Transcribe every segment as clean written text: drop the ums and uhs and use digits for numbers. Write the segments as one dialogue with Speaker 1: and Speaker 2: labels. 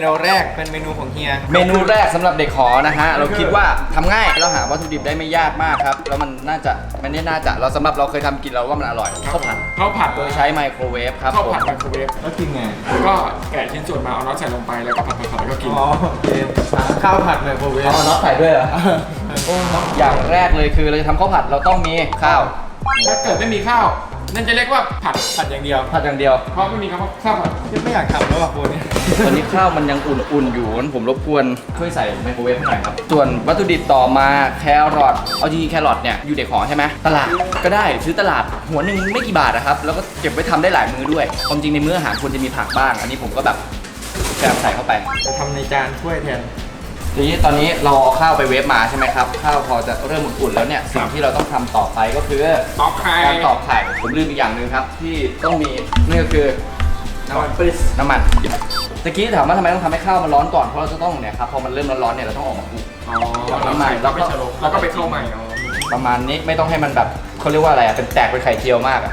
Speaker 1: นูแรกเป็นเมนูของเฮีย
Speaker 2: เมนูแรกสำหรับเด็กหอนะฮะเราคิดว่าทำง่ายเราหาวัตถุดิบได้ไม่ยากมากครับแล้วมันน่าจะเราสำหรับเราเคยทำกินเราว่ามันอร่อยข้าวผัดโดยใช้ไมโครเวฟครับ
Speaker 3: ข้าวผัดไมโครเวฟ
Speaker 1: แล้วกินไง
Speaker 3: ก็แกะชิ้นส่วนมาเอาน็อตใส่ลงไปแล้วก็ผัดแล้วก็กิน
Speaker 1: อ๋อโอเคข้าวผัดไมโครเวฟ
Speaker 2: เอาน็อตใส่ด้วยเหรออย่างแรกเลยคือเราจะทำข้าวผัดเราต้องมีข้าว
Speaker 3: ถ้าเกิดไม่มีข้าวนั่นจะเรียกว่าผัดอย่างเดียวเพราะไม่มีคำว่าข้าวผัด
Speaker 1: ไม่อยากทำแล้วอ่ะคุณ
Speaker 2: ตอนนี้ข้าวมันยังอุ่นๆอยู่ผมรบกวนช่วยใส่ไมโครเวฟให้หน่อยครับส่วนวัตถุดิบต่อมาแครอทเอาจริงๆแครอทเนี่ยอยู่เด็กหอใช่ไหมตลาดก็ได้ซื้อตลาดหัวหนึ่งไม่กี่บาทนะครับแล้วก็เก็บไว้ทำได้หลายมื้อด้วยความจริงในมื้ออาหารควรจะมีผักบ้างอันนี้ผมก็แบบแกะใส่เข้าไป
Speaker 1: จะทำในจานถ้วยแทน
Speaker 2: ทีนี้ตอนนี้เราเอาข้าวไปเวฟมาใช่ไหมครับข้าวพอจะเริ่มอุ่นๆแล้วเนี่ยสิ่งที่เราต้องทำต่อไปก็คือการตอกไข่ผมลืมอีกอย่างหนึ่งครับที่ต้องมีนี่ก็คือน้ำมันตะกี้ถามว่าทำไมต้องทำให้ข้าวมันร้อนก่อนเพราะเราจะต้องเนี่ยครับพอมันเริ่มร้อนๆเนี่ยเราต้องออกมาคลุก
Speaker 3: น้ำมันแล้วก็ไปเข้าใหม่
Speaker 2: ประมาณนี้ไม่ต้องให้มันแบบเขาเรียกว่าอะไรเป็นแตกเป็นไข่เจียวมาก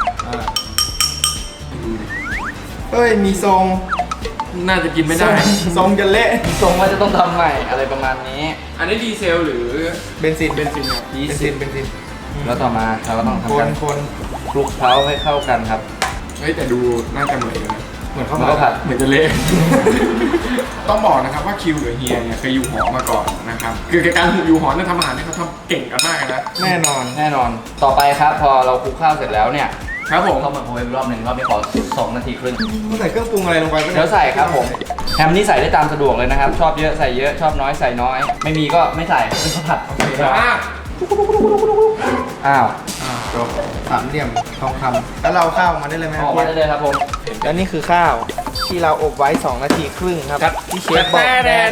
Speaker 1: เฮ้ยมีทรง
Speaker 3: น่าจะกินไม่ได้
Speaker 1: ทรงจะเละ
Speaker 2: ทรงว่าจะต้องทำใหม่อะไรประมาณนี้
Speaker 3: อันนี้ดีเซลหรือ
Speaker 1: เบนซิน
Speaker 2: แล้วต่อมาเราก็ต้องทำการคลุกเคล้าให้เข้ากันครับ
Speaker 3: เฮ้ยแต่ดูน่าจะเหมือนกัน
Speaker 2: เหมือนข้าวผัด
Speaker 3: เหมือนจะเละต้องบอกนะครับว่าคิวหรือเฮียเนี่ยเคยอยู่หอมาก่อนนะครับคือการอยู่หอเนี่ยทำอาหารเนี่ยเขาทำเก่งกันมากนะ
Speaker 1: แน่นอน
Speaker 2: ต่อไปครับพอเราคลุกข้าวเสร็จแล้วเนี่ย
Speaker 3: ครับผม
Speaker 2: เข้ามาโคเวฟรอบหนึ่งรอบนี้ขอ2 นาทีครึ่ง
Speaker 1: ใส่เครื่องปรุงอะไรลงไป
Speaker 2: เดี๋ยวใส่ครับผมแฮมนี่ใส่ได้ตามสะดวกเลยนะครับชอบเยอะใส่เยอะชอบน้อยใส่น้อยไม่มีก็ไม่ใส่เป็นข้าวผัดอ้าว
Speaker 1: จบสามเหลี่ยมทองคำแล้วเราข้าวมาได้เลยไหม
Speaker 2: ออกมาได้เลยครับผม
Speaker 1: แล้วนี่คือข้าวที่เราอบไว้2 นาทีครึ่งครับที่เชฟบอก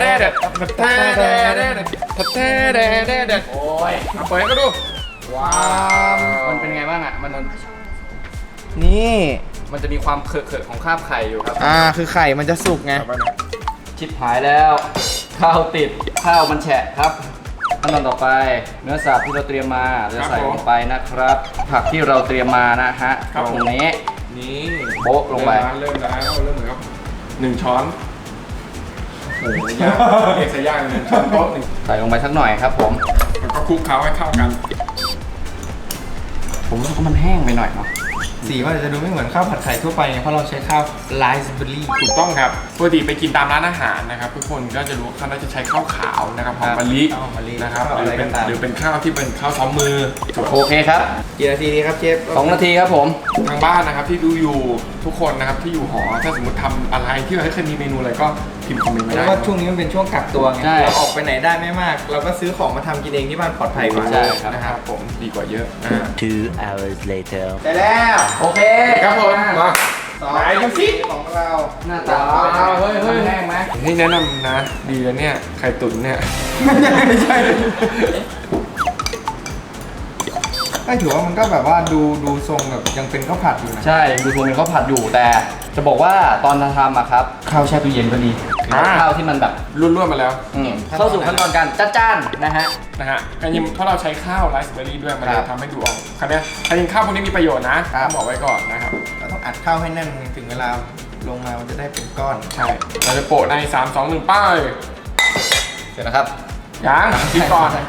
Speaker 3: โอ้ยเปิดก็ดู
Speaker 2: ว้าวมันเป็นไงบ้างอ่ะ
Speaker 1: นี่
Speaker 2: มันจะมีความเขอะของคราบไข่อยู่ครับ
Speaker 1: คือไข่มันจะสุกไง
Speaker 2: ชิบหายแล้วข้าวติดข้าวมันแฉะครับขั้นตอนต่อไปเนื้อสับที่เราเตรียมมาจะใส่ลงไปนะครับผักที่เราเตรียมมานะฮะตรงนี้โบ๊ะลงไป
Speaker 3: เริ่มเหมือนกับ1 ช้อนโอ้โหเอกใส่ย่าง1 ช้อนโต๊ะ
Speaker 2: ใส่ลงไปสักหน่อยครับผม
Speaker 3: แล้วก็คลุกเคล้าให้เข้ากัน
Speaker 2: ผมรู้สึกว่ามันแห้งไปหน่อยเนาะ
Speaker 1: สีว่าจะดูไม่เหมือนข้าวผัดไข่ทั่วไปเพราะเราใช้ข้าวไรซ์เบอร์รี่
Speaker 3: ถูกต้องครับปกติไปกินตามร้านอาหารนะครับทุกคนก็จะรู้เขาจะใช้ข้าวขาวนะครับหอมมะลินะครับหรือเป็นข้าวที่เป็นข้าวซ้อมมือ
Speaker 2: โอเคครับ
Speaker 1: กี่นาทีดีครับเชฟ
Speaker 2: 2 นาทีครับผม
Speaker 3: ทางบ้านนะครับที่ดูอยู่ทุกคนนะครับที่อยู่หอถ้าสมมติทำอะไรที่เราเคยมีเมนูอะไรก็พิมพ์คอมเมนต์มาได้
Speaker 1: เพราะว่าช่วงนี้มันเป็นช่วงกักตัวไงเราออกไปไหนได้ไม่มากเราก็ซื้อของมาทำกินเองที่บ้านปลอดภัยกว่า
Speaker 3: นะครับผมดีกว่าเยอะ
Speaker 4: 2 hours later
Speaker 1: ได้แล้ว
Speaker 2: โอเค
Speaker 3: ครับผมมา
Speaker 1: ไหนดูสิของเรา
Speaker 2: หน้าตาเฮ้ยแห้งไหม
Speaker 3: นี่แนะนำนะดีแล้วเนี่ยไข่ตุ๋นเนี่ย
Speaker 1: ไม่ใช่ถือว่ามันก็แบบว่าดูทรงแบบยังเป็นข้าวผัดอยู่นะ
Speaker 2: ใช่ดูทรงเป็นข้าวผัดอยู่แต่จะบอกว่าตอนทำอะครับข้าวแช่ตู้เย็นก็ดีข้าวที่มันแบบ
Speaker 3: ร่วนๆมาแล้ว
Speaker 2: เข้าสู่ขั้นตอนการจ้านนะฮะ
Speaker 3: การยิมเพราะเราใช้ข้าวไรซ์เบอร์รี่ด้วยมันจะทำให้ดูออกคราวนี้การยิมข้าวพวกนี้มีประโยชน์นะต้องบอกไว้ก่อนนะครับ
Speaker 1: เราต้องอัดข้าวให้แน่นถึงเวลาลงมามันจะได้เป็นก้อน
Speaker 3: ใช่เราจะโปะใน3 2 1ป้าย
Speaker 2: เสร็จนะครับ
Speaker 3: ยังคิดก่อน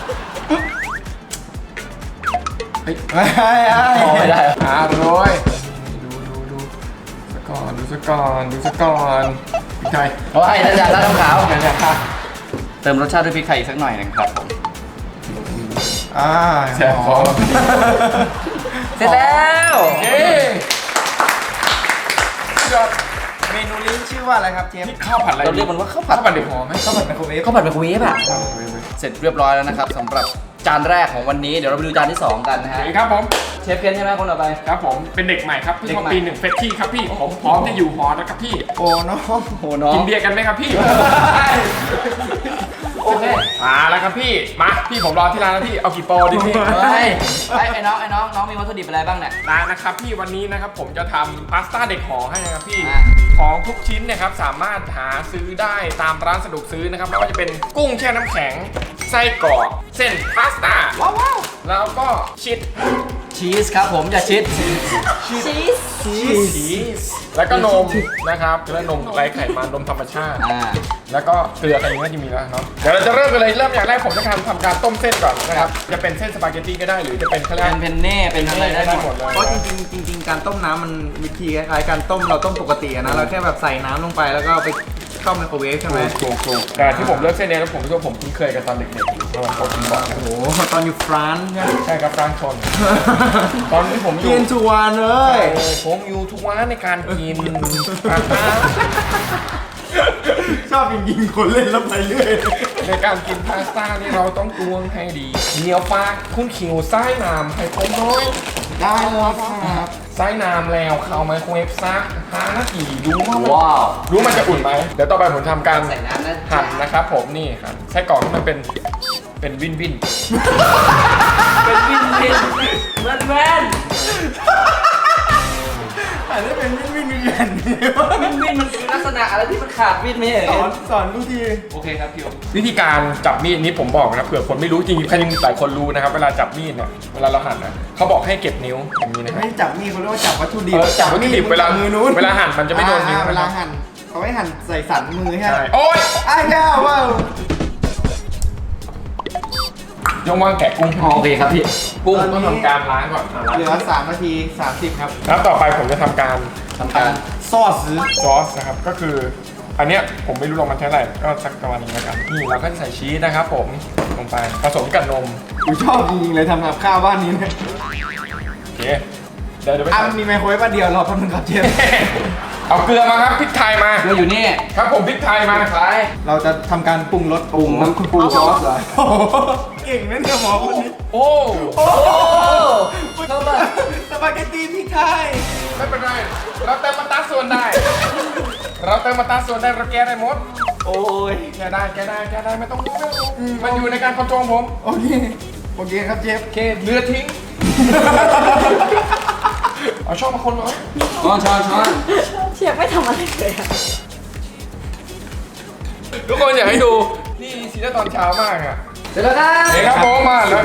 Speaker 1: ไม่
Speaker 2: ได้
Speaker 3: โรยดูสักก่อนพริกไทย
Speaker 2: โอ้ยน่าจะราดน้ำขาวเติมรสชาติด้วยพริกไทยอีกสักหน่อยนึงครับผม
Speaker 3: แซ่บพอ
Speaker 2: เสร็จแล้ว
Speaker 1: เมนูนี้ชื่อว่าอะไรครับเชฟ
Speaker 3: ข้าวผัดอะไร
Speaker 2: เราเรียกมันว่าข้าวผัด
Speaker 3: เด็กหอไหม
Speaker 1: ข้าวผัดไมโครเวฟ
Speaker 2: อะเสร็จเรียบร้อยแล้วนะครับสำหรับจานแรกของวันนี้เดี๋ยวเราไปดูจานที่2กันนะฮะ
Speaker 3: ครับผม
Speaker 2: เชฟเคนใช่ไหมคนต่อไป
Speaker 3: ครับผมเป็นเด็กใหม่ครับเพิ่งเข้าปี1เฟรชชี่ครับพี่ผมพร้อมจะอยู่หอแล้วครับพี่
Speaker 1: โอ้น้อง
Speaker 3: กินเบียร์กันไหมครับพี่
Speaker 2: โอเค
Speaker 3: แล้วครับพี่มาพี่ผมรอที่ร้านแล้วพี่เอากี่โปรดิพี่
Speaker 2: ไอ้น้องมีวัตถุดิบอะไรบ้างเนี่ย
Speaker 3: นะครับพี่วันนี้นะครับผมจะทำพาสต้าเด็กหอให้นะครับพี่ของทุกชิ้นนะครับสามารถหาซื้อได้ตามร้านสะดวกซื้อนะครับไม่ว่าจะเป็นกุ้งแช่น้ำแข็งไส้กรอกเส้นพาสต้าว้าวแล้วก็ชี
Speaker 2: ชีสครับผมอย่าชิด
Speaker 3: ชีสแล้วก็นมนะครับแล้วนมไร้ไขมันนมธรรมชาติ แล้วก็เกลืออะไรอย่างเงี้ยที่มีแล้วเนาะเดี๋ยวเราจะเริ่มกันเลยเริ่มอย่างแรกผมจะทำการต้มเส้นก่อนนะครับจะเป็นเส้นสปาเกตตี้ก็ได้หรือจะเป็นเขาเรียก
Speaker 2: เป็นเพนเน่เป็นอะไรได้หมด
Speaker 3: เลย
Speaker 1: เพราะจริงๆการต้มน้ำมันวิธีคล้ายๆการต้มเราต้มปกติอะนะเราแค่แบบใส่น้ำลงไปแล้วก็เอาไปเข้าไมโครเวฟใช่ไหม
Speaker 3: ถูกแต่ที่ผมเลือกเส้นนี้แล้วผมรู้ว่าผมคุ้นเคยกันตอนเด็กๆเพราะว่าเขากินบ่อยนะ
Speaker 1: โอ้โหตอนอยู่ฟรานซ์ใช่ไหม
Speaker 3: ใช่ครับฟรานชน ตอนที่ผมอยู่
Speaker 1: กินทุกวันเลย
Speaker 3: ผมอยู่ทุกวันในการกิน
Speaker 1: ชอบยิงคนเล่นแล้วไปเรื่อย
Speaker 3: ในการกินพาสต้านี่เราต้องตวงให้ดีเหนียวปากคุณขิวไส้น้ำให้ผมน้อย
Speaker 1: ได้แล้วครับ
Speaker 3: ไส้น้ำแล้วเข้าไมโครเวฟซัก5 นาทีดูว่ามัน
Speaker 2: ว้าว
Speaker 3: รู้มันจะอุ่นไหมเดี๋ยวต่อไปผมทำการ
Speaker 2: ใส่น้ำนะ
Speaker 3: หั่นนะครับผมนี่ครับไส้กรอกที่มันเป็นวินวิน
Speaker 2: เป็นวินวินแว่น
Speaker 1: อันนี้เป็นวินวินวิน
Speaker 2: วินวินมันคือลักษณะอะไรที่มันขาดวินไม่ใช่เหรอ
Speaker 1: สอนดูที
Speaker 2: โอเคครับคิว
Speaker 3: วิธีการจับมีดนี้ผมบอกนะเผื่อคนไม่รู้จริงๆใครยังหลายคนรู้นะครับเวลาจับมีดเนี่ยเวลาเราหั่นนะเขาบอกให้เก็บนิ้วอย่างนี้นะครับ
Speaker 1: ไม่จับมีดเขาเรียกว่าจับวัตถุดิบ
Speaker 3: จับวัตถุดิบเวลา
Speaker 1: มือนู้น
Speaker 3: เวลาหั่นมันจะไม่โดนนิ้ว
Speaker 1: เว
Speaker 3: นะค
Speaker 1: ลา
Speaker 3: รับ
Speaker 1: หั่นเขาให้หั่นใส่สันมือใช่ไหม
Speaker 3: ใช่โอ๊ย
Speaker 1: อ้าวว้าว
Speaker 3: ยงวางแกะกุ้ง
Speaker 2: โอเคครับพี่
Speaker 3: กุ้งต้องทำการล้างก่อน
Speaker 1: เหลือ3 นาที 30 ครับ
Speaker 3: แล้วต่อไปผมจะทำการ
Speaker 1: ซอสซื้อ
Speaker 3: ซอสนะครับก็คืออันเนี้ยผมไม่รู้ลงมันใช้อะไรก็สักประมาณนี้แล้วกันนี่เราก็จะใส่ชีสนะครับผมลงไปผสมกับนม
Speaker 1: กูชอบจริงๆเลยทำกับข้าวบ้านนี้เนี่ย
Speaker 3: โอเคเดี๋ยวไป
Speaker 1: อ่ะ
Speaker 3: ใส่
Speaker 1: มีไมโครเวฟอันเดียวรอแป๊บนึงครับเชฟ
Speaker 3: เอาเกลือมาครับพริกไทยมา
Speaker 2: เกลืออยู่นี่
Speaker 3: ครับผมพริกไทยมา
Speaker 2: ขาย
Speaker 1: เราจะทำการปรุงรส
Speaker 2: ปรุงน้ำปรุงซอสเหรอ
Speaker 1: โอ้โหเก่งนะเนี่ยหมอคนนี้
Speaker 3: โอ้
Speaker 1: โอ้
Speaker 2: เข้ามา
Speaker 1: สปาเกตตี้พริกไทย
Speaker 3: ไม่เป็นไรเราเติมมาตราส่วนได้ เราเติมมาตราส่วนได้เราแก้ได้หมด
Speaker 1: โอ้ย
Speaker 3: แก้ได้ไม่ต้องรู้มันอยู่ในการคอนโทรลผม
Speaker 1: โอเคโอเคครับเชฟ
Speaker 3: โอเคเลือทิ้ง เอาช่องมาคนเหรอ
Speaker 2: ช้อน
Speaker 5: เชฟไม่ทำอะไรเลยอะ
Speaker 3: ทุกคนอยากให้ดูนี่ซีรีส์ตอนเช้ามากอ่ะ
Speaker 2: เสร็จแล้วครับ
Speaker 3: เฮ้ยครับผมมาแล้ว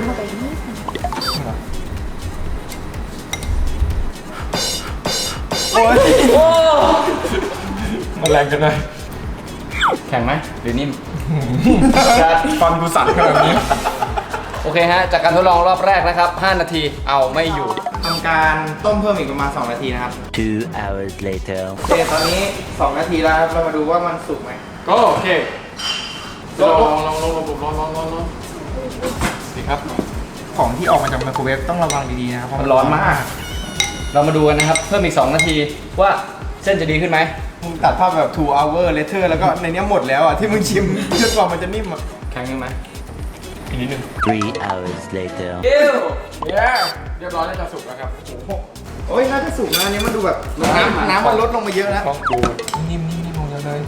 Speaker 1: โอ้ย
Speaker 2: โอ้
Speaker 3: มันแรงกันเลย
Speaker 2: แข็งไหมหรือนิ่ม
Speaker 3: ฟันกูสั่นขนาดนี้
Speaker 2: โอเคฮะ จากการทดลองรอบแรกนะครับ 5 นาที เอาไม่อยู่
Speaker 1: ทำการต้มเพิ่มอีกประมาณ2 นาทีนะครับ
Speaker 4: 2 hours later.
Speaker 1: โอเคตอนนี้2 นาทีแล้วครับเรามาดูว่ามันสุกไหม
Speaker 3: ก็โอเคลองดีครับ
Speaker 1: ของที่ออกมาจากไมโครเวฟต้องระวังดีๆนะครับเพราะ
Speaker 2: มันร้อนมาก เรามาดูกันนะครับ เพิ่มอีก 2 นาทีว่าเส้นจะดีขึ้นไหม
Speaker 1: มึงตัดภาพแบบ 2 hour later แล้วก็ในเนี้ยหมดแล้วอ่ะที่มึงชิมจนกว่ามันจะนิ่มอ่ะ
Speaker 2: แข็งยังไหม
Speaker 3: อีกนิดนึง
Speaker 4: 3 hours later.
Speaker 2: เอ้ว
Speaker 3: เย้เรียบร้อยแล้วจะสุกแล้วครับโอ้โห
Speaker 1: โอ้ยน่าจะสุกนะอันนี้มันดูแบบน้ำมันลดลงมาเยอะแล้ว
Speaker 3: ต้องดูนิ่มลงเลย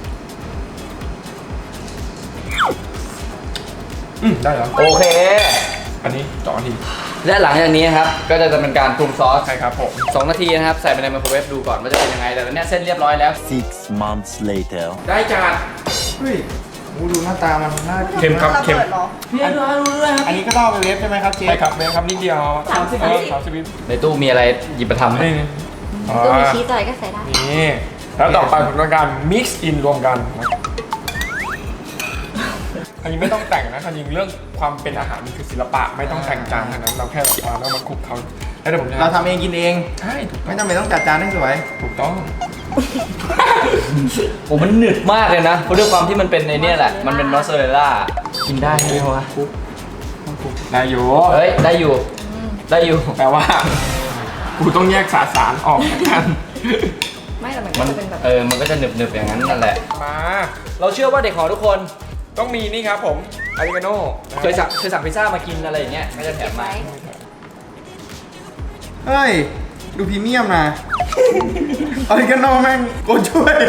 Speaker 3: ได้แล้ว
Speaker 2: โอเค
Speaker 3: อันนี้2 นาที
Speaker 2: และหลังจากนี้นะครับ ก็จะเป็นการปรุงซอส
Speaker 3: ใช่ครับผม
Speaker 2: 2 นาทีนะครับ ใส่ไปในไมโครเวฟดูก่อนว่าจะเป็นยังไง แต่ตอนเนี้ยเส้นเรียบร้อยแล้ว
Speaker 4: 6 months later.
Speaker 3: ได้จาน
Speaker 1: เฮ้ยดูหน้าตามันน่ากิน
Speaker 3: เค็มครับเค็ม
Speaker 5: ระบิดหรอ
Speaker 1: อันนี้ก็ต้องเอาไปเวฟใช่ไหมครับเชฟ
Speaker 3: ใช่ครับเบครับนิดเดียว
Speaker 5: 30
Speaker 3: 30 วิ
Speaker 2: ในตู้มีอะไรหยิบมาทำไหม
Speaker 3: นี่
Speaker 5: ตัวมีชีสอะไรก็ใส่ได้
Speaker 3: นี่แล้วต่อไปผมต้องการ mix in รวมกันอันนี้ไม่ต้องแต่งนะจริงเรื่องความเป็นอาหารมันคือศิลปะไม่ต้องแต่งจานเท่านั้นเราแค่แบบว่าแล้วมาคลุกเขาแล้วเดี๋ยวผมจะ
Speaker 1: เราทำเองกินเอง
Speaker 3: ใช่ถูก
Speaker 1: ไม่จำเป็นต้องจัดจานให้สวย
Speaker 3: ถูกต้อง
Speaker 2: โอ้มันหนึบมากเลยนะเพราะด้วยความที่มันเป็นในเนี่ยแหละ มันเป็นมอสซาเรลล่า กินได้ไหมวะ
Speaker 3: นายโย
Speaker 2: เฮ้ย ได้อยู่ ได้อยู่
Speaker 3: แปลว่ากูต้องแยกสารออกกัน
Speaker 5: ไม่แต่มัน
Speaker 2: มั
Speaker 5: ก็
Speaker 2: น
Speaker 5: จะเป็นแบบ
Speaker 2: มันก็จะหนึบๆอย่างนั้นนั่นแหละ
Speaker 3: มา
Speaker 2: เราเชื่อว่าเด็กของทุกคน
Speaker 3: ต้องมีนี่ครับผมอาริกาโน่
Speaker 2: เคยสั่งพิซซ่ามากินอะไรอย่างเงี้ยก็จะแถมมา
Speaker 1: เฮ้ย ดูพรีเมียมนะออริกาโนแม่งโกช่วย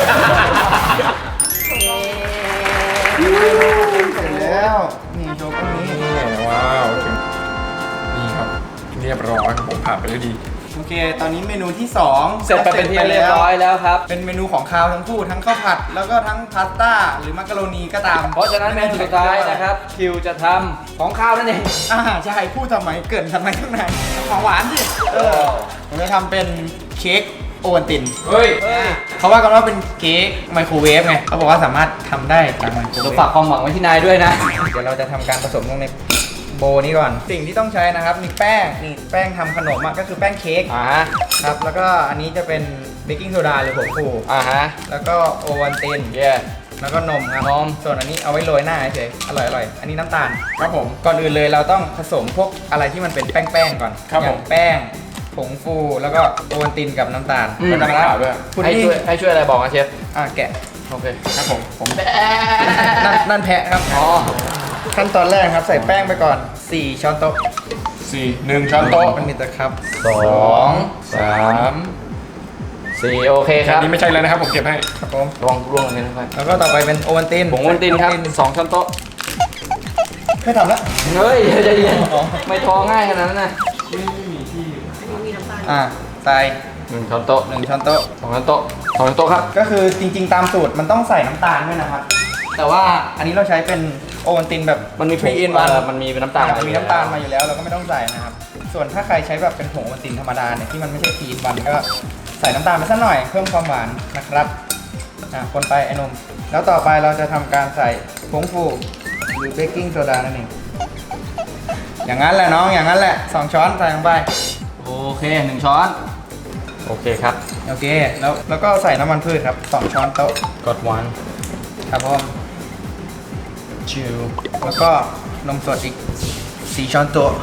Speaker 1: เสร็จแล้วนี่โชว์ตรงนี้
Speaker 3: นี่ว้าวนี่ครับเรียบร้อยครับผมผ่านไปแล้วดี
Speaker 1: โอเค ตตอนนี้เมนูที่2
Speaker 2: เสร็จไปเป็นที่เรียบร้อยแล้วครับ
Speaker 1: เป็นเมนูของคาวทั้งคู่ทั้งข้าวผัดแล้วก็ทั้งพาสต้าหรือมักกะโรนีก็ตาม
Speaker 2: เพราะฉะนั้นเมนูสุดท้ายนะครับคิวจะทำของข้าวนั่นเอง
Speaker 1: ใช่พูดทำไมเกินทำไมข้างในของหวานสิผมจะทำเป็นเค้กโอวัลติน
Speaker 3: เฮ้ย
Speaker 1: เขาว่ากันว่าเป็นเค้กไมโครเวฟไงเขาบอกว่าสามารถทำได้จากไมโคร
Speaker 2: เรา
Speaker 1: เวฟ
Speaker 2: ฝากความหวังไว้ที่นายด้วยนะ
Speaker 1: เดี๋ยวเราจะทำการผสมลงในโบนี้ก่อน สิ่งที่ต้องใช้นะครับมีแป้งนี่แป้งทำขนมอะก็คือแป้งเค้ก
Speaker 2: ฮะ
Speaker 1: ครับแล้วก็อันนี้จะเป็นเบกกิ้งโซดาหรือผงฟู
Speaker 2: ฮะ
Speaker 1: แล้วก็โอวัลติน
Speaker 2: เย่
Speaker 1: แล้วก็นมครับ
Speaker 2: นม
Speaker 1: ส่วนอันนี้เอาไว้โรยหน้าเฉยๆอร่อยๆอันนี้น้ำตาล
Speaker 3: ครับผม
Speaker 1: ก่อนอื่นเลยเราต้องผสมพวกอะไรที่มันเป็นแป้งๆก่อน
Speaker 3: ครับ
Speaker 1: อย่า
Speaker 3: ผ
Speaker 1: ง
Speaker 3: ม
Speaker 1: แป้งผงฟูแล้วก็โอวัลตินกับน้ำตาล
Speaker 3: แล้วก็น้ำเปล่าด้วย
Speaker 1: พุด
Speaker 2: ให้
Speaker 1: ดิ้ง
Speaker 2: ช่วยอะไรบอกนะเชฟ
Speaker 1: แกะ
Speaker 2: โอเค
Speaker 3: ครับผม
Speaker 1: นั่นแพะครับ
Speaker 2: อ๋อ
Speaker 1: ขั้นตอนแรกครับใส่แป้งไปก่อน 4 ช้อนโต๊ะ
Speaker 3: 1 ช้อนโต๊ะ
Speaker 1: มันมีตะครับ
Speaker 2: 2 3 4โอเคค
Speaker 3: อั
Speaker 2: รับ
Speaker 3: นนี้ไม่ใช่แล้วนะครับผมเก็บให้
Speaker 1: ครับผม
Speaker 2: ระวังร่วงเลยนะครับ
Speaker 1: แล้วก็ต่อไปเป็นโอวัลติน
Speaker 2: ผงวันตินครับ2ช้อนโต๊ะ
Speaker 1: ไม่ทำแล้ว
Speaker 2: เฮ้ยใจเย็นไม่ท้อง่ายขนาดนั้นนะ
Speaker 1: ใส่
Speaker 2: 1ช้อนโต๊ะ
Speaker 1: 1 ช้อนโต๊ะ
Speaker 2: 2ช้อนโต๊ะ2ช้อนโต๊ะครับ
Speaker 1: ก็คือจริงๆตามสูตรมันต้องใส่น้ำตาลด้วยนะครับ แต่ว่าอันนี้เราใช้เป็นโอวัลตินแบบ
Speaker 2: มันมีผง
Speaker 1: 3 in 1
Speaker 2: มันมีเป็นน้ำตาล
Speaker 1: มีน้ำตาลมาอยู่แล้วเราก็ไม่ต้องใส่นะครับ ส่วนถ้าใครใช้แบบเป็นผงโอวัลตินธรรมดาเนี่ยที่มันไม่ใช่3 in 1ก็ใส่น้ำตาลไปสักหน่อยเพิ่มความหวานนะครับคนไปไอ้นมแล้วต่อไปเราจะทำการใส่ผงฟูหรือเบกกิ้งโซดานั่นเองอย่างนั้นแหละน้องอย่างนั้นแหละ2 ช้อนใส่ลงไป
Speaker 2: โอเค1ช้อนโอเคครับ
Speaker 1: โอเคแล้วก็ใส่น้ำมันพืชครับ2 ช้อนโต๊ะ
Speaker 2: กดวัน
Speaker 1: ครับผมชิวแล้วก็นมสดอีก4 ช้อนโต๊ะ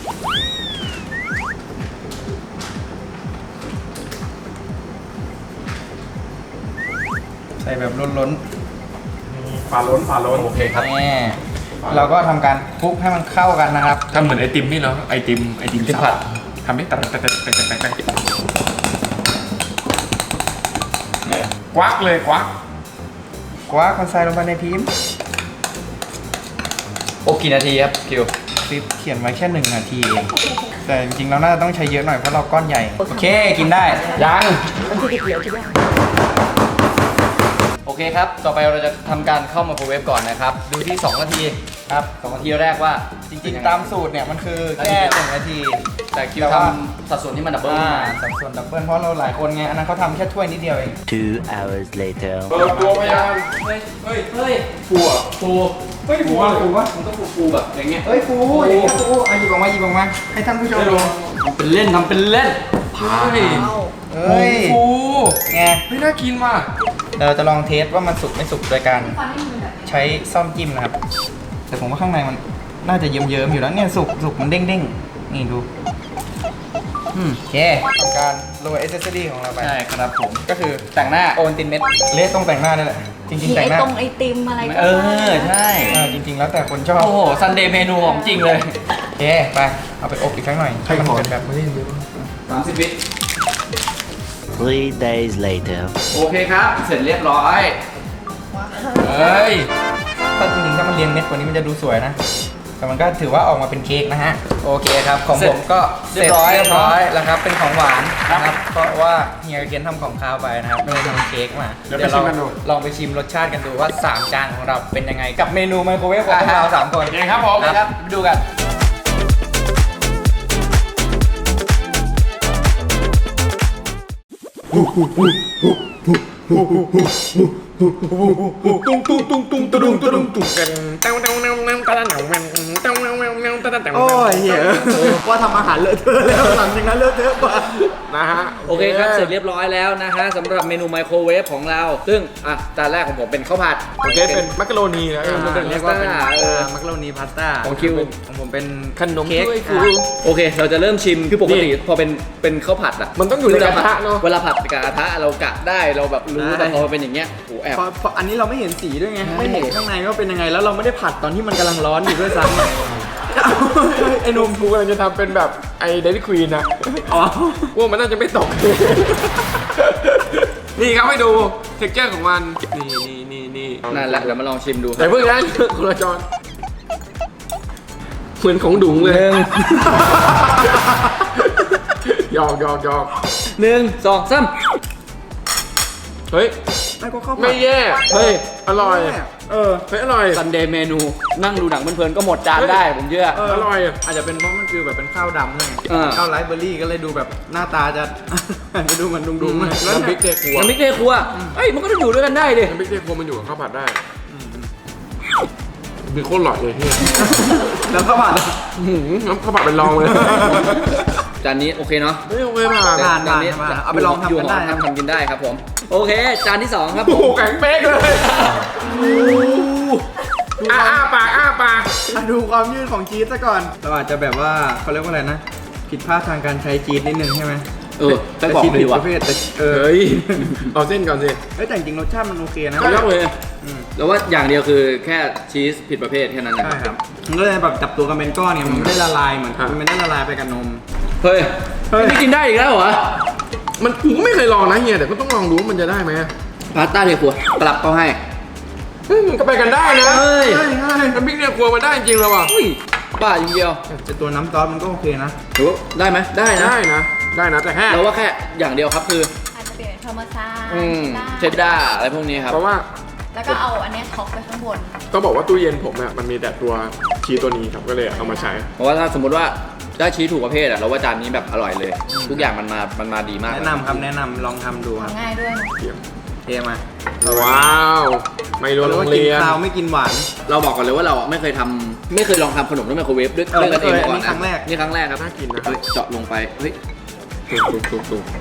Speaker 1: ใส่แบบล้น
Speaker 3: ฝาล้น
Speaker 2: โอเคครับ
Speaker 1: ๆแน่เราก็ทำการคลุกให้มันเข้ากันนะครับ
Speaker 3: ทำเหมือนไอติมนี่เหรอไอติม
Speaker 2: ที่ผัด
Speaker 3: ทำให้ตัดควักเลยควัก
Speaker 1: กว่าคนใส่ลงไปในพิมพ์
Speaker 2: โอ้กี่นาทีครับคิว
Speaker 1: คลิปเขียนไว้แค่1 นาทีเองแต่จริงๆเราน่าจะต้องใช้เยอะหน่อยเพราะเราก้อนใหญ่ โอเคกินได้
Speaker 2: ยัง
Speaker 5: มันคือเขียวใช่ไหม
Speaker 2: โอเคครับ ต่อไปเราจะทำการเข้าไมโครเวฟก่อนนะครับ ดูที่ 2 นาทีครับ2 นาทีแรกว่า
Speaker 1: จริงๆตามสูตรเนี่ยมันคือแค่1 นาที
Speaker 2: แต่คิวทำสัดส่วนที่มันดับเบิล
Speaker 1: สัดส่วนดับเบิลเพราะเราหลายคนไงอันนั้นเขาทำแค่ถ้วยนิดเดียวเอง
Speaker 4: 2 hours later.
Speaker 3: เปิดตัวพยาน
Speaker 2: เฮ้ย
Speaker 3: ฟูอ่ะ
Speaker 2: ฟู
Speaker 1: เฮ้ยฟูฟูวะ
Speaker 2: มันต้องฟูแบบอย่างเงี้ย
Speaker 1: เฮ้ยฟูอย่างเงี้ยฟูหยิบออกมาให้ท่านผู้ชมดู
Speaker 2: ทำเป็นเล่นทำเป็นเล่น
Speaker 3: เฮ้ย
Speaker 1: เฮ้ย
Speaker 3: ฟู
Speaker 1: ไง
Speaker 3: ไม่น่ากินว่ะ
Speaker 1: เดี๋ยวเราจะลองเทสว่ามันสุกไม่สุกโดยการใช้ซ่อมจิ้มนะครับ แต่ผมว่าข้างในมันน่าจะเยิ้มๆอยู่แล้วเนี่ยสุกมันเด้งๆนี่ดูโอเคทำการโรยเอเซอรี่ของเราไป
Speaker 2: ใช่ครับผม
Speaker 1: ก็คือ
Speaker 2: แต่งหน้า
Speaker 1: โอนตินเม็ดเละตรงแต่งหน้านี่แหละจริงๆแต่งหน้า
Speaker 5: ตรงไอติมอะไรก็
Speaker 2: เอ
Speaker 5: ได้
Speaker 2: อ ใช่
Speaker 1: จริงๆแล้วแต่คนชอบ
Speaker 2: โอ้โหซันเดย์เมนูของจริงเลย
Speaker 1: โอเคไปเอาไปอบอีกครั้งหน่อยให้มันเป็นแบบ
Speaker 2: 30 วิ
Speaker 4: 3 days later.
Speaker 2: โอเคครับ เสร็จเรียบร้อย
Speaker 3: เฮ้ย
Speaker 1: ถ้าจริงๆถ้ามันเรียงเม็ดกว่านี้มันจะดูสวยนะ แต่มันก็ถือว่าออกมาเป็นเค้กนะฮะ โอเคครับ ของผมก็เสร็จเรียบร้อยแล้วครับ เป็นของหวานนะครับ เพราะว่าเฮียเกนทำของคาวไปนะครับไม่ได้ทำเค้กมา
Speaker 3: เดี๋ยวไปชิมกันดู
Speaker 1: ลองไปชิมรสชาติกันดูว่า 3 จานของเราเป็นยังไง กับเมนูไมโครเวฟของพวกเรา 3 คน
Speaker 3: โอเคครับผม
Speaker 2: นะครับไปดูกัน
Speaker 1: โอ้ยเหี้ยว่าทำอาหารเลอะเทอะแล้วหลังจากนั้นเลอะเทอะกว่า
Speaker 3: นะฮะ
Speaker 2: โอเคครับ เสร็จเรียบร้อยแล้วนะฮะสำหรับเมนูไมโครเวฟของเรา ซึ่งจานแรกของผมเป็นข้าวผัด
Speaker 3: โอเคเป็นมักกะโรนีนะ
Speaker 1: เรียกว่าเป็น
Speaker 2: มั
Speaker 1: มักโรนีพาสต้า
Speaker 2: ของคิว
Speaker 1: ของผมเป็น
Speaker 3: ขนม
Speaker 1: เค้ก
Speaker 3: ถ้วยฟู
Speaker 2: โอเค เราจะเริ่มชิม คือปกติพอเป็นข้าวผัดอ่ะ
Speaker 3: มันต้องอยู่ในกระทะเนอะ
Speaker 2: เวลาผัดกับกระทะเรากะได้ เราแบบรู้แต่พอเป็นอย่างเงี้ยโอ้แอบ
Speaker 1: พออันนี้เราไม่เห็นสีด้วยไง ไม่เห็นข้างในว่าเป็นยังไง แล้วเราไม่ได้ผัดตอนที่มันกำลังร้อนอยู่ด้วยซ้ำไอ้หนุ่ม
Speaker 3: กูกำลังจะทำเป็นแบบไอเดลี่ควีนอะ
Speaker 1: อ๋อ
Speaker 3: ว่ามันน่าจะไม่ตก นี่ครับให้ดูเท็กเจอร์ของมัน นี่
Speaker 2: นั่นแหละ เดี๋ยวมาลองชิมดูค
Speaker 3: แต่
Speaker 2: รับ
Speaker 3: เพิ่งนะคนละจอนเหมือนของดุ๋งเลยหยอก
Speaker 2: 1 2 3
Speaker 3: เฮ้ย
Speaker 1: ไม่ก็ข้าวผั
Speaker 3: ไม่
Speaker 1: ด
Speaker 3: แย่
Speaker 2: เฮ้ย
Speaker 3: อร่อย
Speaker 1: เออ
Speaker 3: เฮ้ยอร่อย
Speaker 2: ซันเดย์เมนูนั่งดูหนังเพลินๆก็หมดจานได้ผมเชื่อ
Speaker 3: อร่อย
Speaker 1: อาจจะเป็นเพราะมันคือแบบเป็นข้าวดำเลย
Speaker 2: อ่า
Speaker 1: ข้าวไรซ์เบอร์รี่ก็เลยดูแบบหน้าตาจะ จะดูเหมือนดุงๆหน่อยแล้ว
Speaker 3: น้ำพริกเทครัว
Speaker 2: น้ำพริกเทครัวเอ้ยมันก็ต้องอยู่ด้วยกันได้ดิ
Speaker 3: น้ำพริกเทครัวมันอยู่กับข้าวผัดได้มีโคตรหล่อเลยที่
Speaker 1: แล้วข้าวผัด
Speaker 3: น้ำข้าวผัดเป็นรองเลย
Speaker 2: จานนี้โอเคเนาะ
Speaker 3: เฮ้ยโอเคผ่าน
Speaker 1: ผ่าน
Speaker 2: จานนี้
Speaker 1: เอาไปลองทำกันได้
Speaker 2: อยู่หอทำกินได้ครับผมโอเค จานที่ 2 ครับ
Speaker 3: โอ้
Speaker 2: ผ
Speaker 3: โห
Speaker 2: ม
Speaker 3: แข็งเป๊กเลยอ้าปาก
Speaker 1: ดูความยืดของชีสซะก่อนเราอาจจะแบบว่าเขาเรียกว่าอะไรนะ ผิดพลาดทางการใช้ชีสนิดนึงใช่ไหม
Speaker 2: ไปบอก
Speaker 1: ชีส
Speaker 2: เลย
Speaker 1: ผิ
Speaker 2: ดี
Speaker 1: ด
Speaker 2: กว่า
Speaker 1: ประเภทแต่
Speaker 3: เฮ้ยเอาเส้นก่อนสิ
Speaker 1: แต่จริงๆรสชาติมันโอเคนะ
Speaker 2: ไม่ต้องเลย
Speaker 1: อืม
Speaker 2: แล้วว่าอย่างเดียวคือแค่ชีสผิดประเภทแค่นั้นนะ
Speaker 1: ใช่ครับมันก็เลยแบบจับตัวกันเป็นก้อนเนี่ยมันไม่ได้ละลายเหมือนมันไม่ได้ละลายไปกับนม
Speaker 2: เฮ้ยนี่กินได้อีกแล้วเหรอ
Speaker 3: มันกูก็ไม่เคยลองนะเฮียแต่ก็ต้องลองดูว่ามันจะได้ไหม
Speaker 2: พาสต้าเทครัวกลับเขาให้
Speaker 3: เฮ้ยมันก็ไปกันได้นะ
Speaker 2: เฮ้ย
Speaker 1: ใช่ใช่
Speaker 3: น้ำพริกเนี่ยครัวมันได้จริงแล้วว่ะ
Speaker 2: อุ้ยบ้าจริงเดียว
Speaker 1: แต่ตัวน้ำซอสมันก็โอเคนะ
Speaker 2: ถือว่าได้ไหมได้นะ
Speaker 3: ได้นะแต่แค่
Speaker 2: เราว่าแค่อย่างเดียวครับคือ
Speaker 5: อาจจะเปลี่ยนเป็นธรรมชาติ
Speaker 2: เชดดาร์อะไรพวกนี้ครับ
Speaker 3: เพราะว่า
Speaker 5: แล้วก็เอาอันเนี้ยท็อปไปข้างบน
Speaker 3: ต้องบอกว่าตู้เย็นผมเนี่ยมันมีแต่ตัวชีสตัวนี้ครับก็เลยเอามาใช้
Speaker 2: เพราะว่าถ้าสมมติว่าได้ชีสถูกประเภทอะเราว่าจานนี้แบบอร่อยเลย ทุกอย่างมันมาดีมาก
Speaker 1: แนะนำครับแนะนำลองทำดูครับ
Speaker 5: ทำง่ายด้วยนะ
Speaker 1: เทมา
Speaker 3: ว้าวไม่รู้โรงเรียน
Speaker 1: กินข้าวไม่กินหวาน
Speaker 2: เราบอกก่อนเลยว่าเราไม่เคยลองทำขนมด้วยไมโครเวฟด้วย
Speaker 1: เออ
Speaker 2: กันเองมาก่อน
Speaker 1: นี่ครั้งแรก
Speaker 2: นี่ครั้งแรกครับ
Speaker 3: น่ากินนะ
Speaker 2: เฮ้ยเจาะลงไปเฮ้ย
Speaker 3: ตุก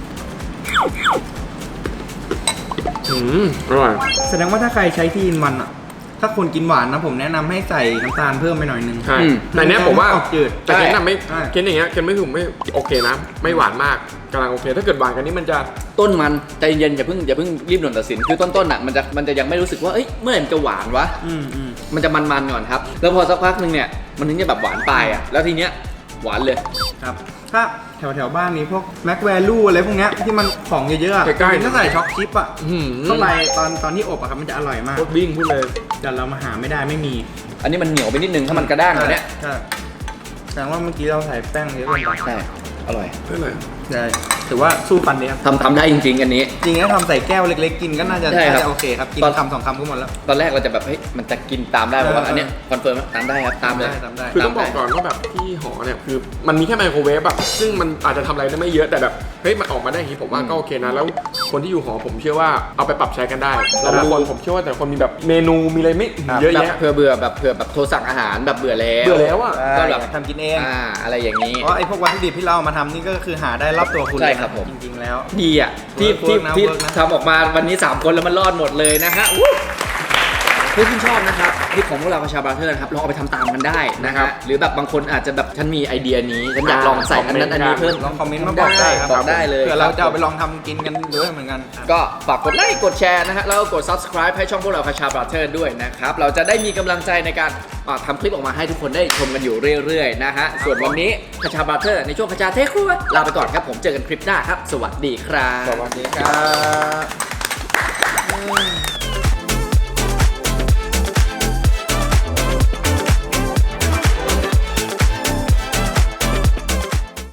Speaker 3: อร่อย
Speaker 1: แสดงว่าถ้าใครใช้ที่อินวันอ่ะ ถ้าคนกินหวานนะผมแนะนำให้ใส่น้ำตาลเพิ่มไปหน่อยนึง
Speaker 3: ใช่แต่เนี้ยผมว่า
Speaker 1: ออกจืด
Speaker 3: แต่เคนน่ะไม่
Speaker 1: ใช่
Speaker 3: เคนอย่างเงี้ยเคนไม่ถูกไม่โอเคนะ ไม่หวานมากกำลังโอเค ถ้าเกิดหวานกันนี่มันจะ
Speaker 2: ต้นมันใจเย็นอย่าเพิ่งรีบด่วนตัดสินคือต้นๆอ่ะมันจะยังไม่รู้สึกว่าเอ้ยเมื่อไหร่มันจะหวานวะ
Speaker 1: อืม
Speaker 2: มันจะมันๆก่อนครับ แล้วพอสักพักหนึ่งเนี่ยมันถึงจะแบบหวานปลายอ่ะแล้วทีเนี้ยหวานเลย
Speaker 1: ครับ ถ้าแถวบ้านนี้พวกแม็กแวลูอะไรพวกเนี้ยที่มันของเยอะๆอะ
Speaker 3: ใกล้ๆ
Speaker 1: ถ้าใส่ช็อกชิปอ่ะ
Speaker 3: อื้อหือ
Speaker 1: เข้าไปตอนที่อบอะครับมันจะอร่อยมาก
Speaker 3: โคตรบิ้งพูดเลย
Speaker 1: แต่เรามาหาไม่ได้ไม่มี
Speaker 2: อันนี้มันเหนียวไปนิดนึงถ้ามันกระด้างกว่าเนี้ย
Speaker 1: ใช่แสดงว่าเมื่อกี้เราใส่แป้งเยอะเกินไป
Speaker 2: ใช่อร่อย
Speaker 3: ไม่เลย
Speaker 1: ใช่ถือว่าสู้ฟันดีครับ
Speaker 2: ทำได้จริงๆอันนี้
Speaker 1: จริงๆถ้าทำใส่แก้วเล็กๆกินก็น่าจะ
Speaker 2: ใช่ครับ
Speaker 1: โอเคครับ กินคำสองคำก็หมดแล้ว
Speaker 2: ตอนแรกเราจะแบบเฮ้ยมันจะกินตามได้เพราะว่าอันเนี้ยคอนเฟิร์มว่าตามได้ครับตามเลย
Speaker 1: ทำได้
Speaker 3: คือต้องบอกก่อนว่าแบบที่หอเนี่ยคือมันมีแค่ไมโครเวฟแบบซึ่งมันอาจจะทำอะไรได้ไม่เยอะแต่แบบเฮ้ยมันออกมาได้อย่างนี้ผมว่าก็โอเคนะแล้วคนที่อยู่หอผมเชื่อว่าเอาไปปรับใช้กันได้แต่ละคนผมเชื่อว่าแต่ละคนมีแบบเมนูมีอะไรไม่เยอะ
Speaker 2: แบบ
Speaker 3: แยะ
Speaker 2: เผื่อเบื่อแบบโทรสั่งอาหารแบบเบื่อแล้ว
Speaker 3: เบื่อแล้วอ่ะ
Speaker 2: ก็แบบ
Speaker 1: ทำกินเอง
Speaker 2: อะไรอย่างนี้
Speaker 1: เพราะไอ้พวกวัตถุดิบที่เราเอามาทำนี่ก็คือหาได้รอบตัวคุณ
Speaker 2: ใช่
Speaker 1: เลยนะครับ
Speaker 2: ผม
Speaker 1: จริงๆแล้ว
Speaker 2: ดีอ่ะที่
Speaker 1: เวิร์กนะ
Speaker 2: ที่
Speaker 1: เวิร์กนะ
Speaker 2: ทำออกมาวันนี้ 3 คนแล้วมันรอดหมดเลยนะฮะถ้าคุณชอบนะครับคลิปของพวกเราคาชาบราเธอร์นะครับลองเอาไปทำตามกันได้นะค
Speaker 3: ครั
Speaker 2: รับบ หรือแบบบางคนอาจจะแบบฉันมีไอเดียนี้ฉันอยากลองใส่อันนั้นอันนี้เพิ่ม
Speaker 1: ลองคอมเมนต์มาบอกได้ครับ
Speaker 2: บอกได้เลย
Speaker 1: เผื่อเราจะเอาไปลองทำกินกันด้วยเหมือนกัน
Speaker 2: ก็ฝากกดไลค์กดแชร์นะฮะแล้วก็กด subscribe ให้ช่องพวกเราคาชาบราเธอร์ด้วยนะครับเราจะได้มีกำลังใจในการทำคลิปออกมาให้ทุกคนได้ชมกันอยู่เรื่อยๆนะฮะส่วนวันนี้คาชาบราเธอร์ในช่วงคาชาเทคครัวลาไปก่อนครับผมเจอกันคลิปหน้าครับสวัสดีครับ
Speaker 3: สวัสดีครับ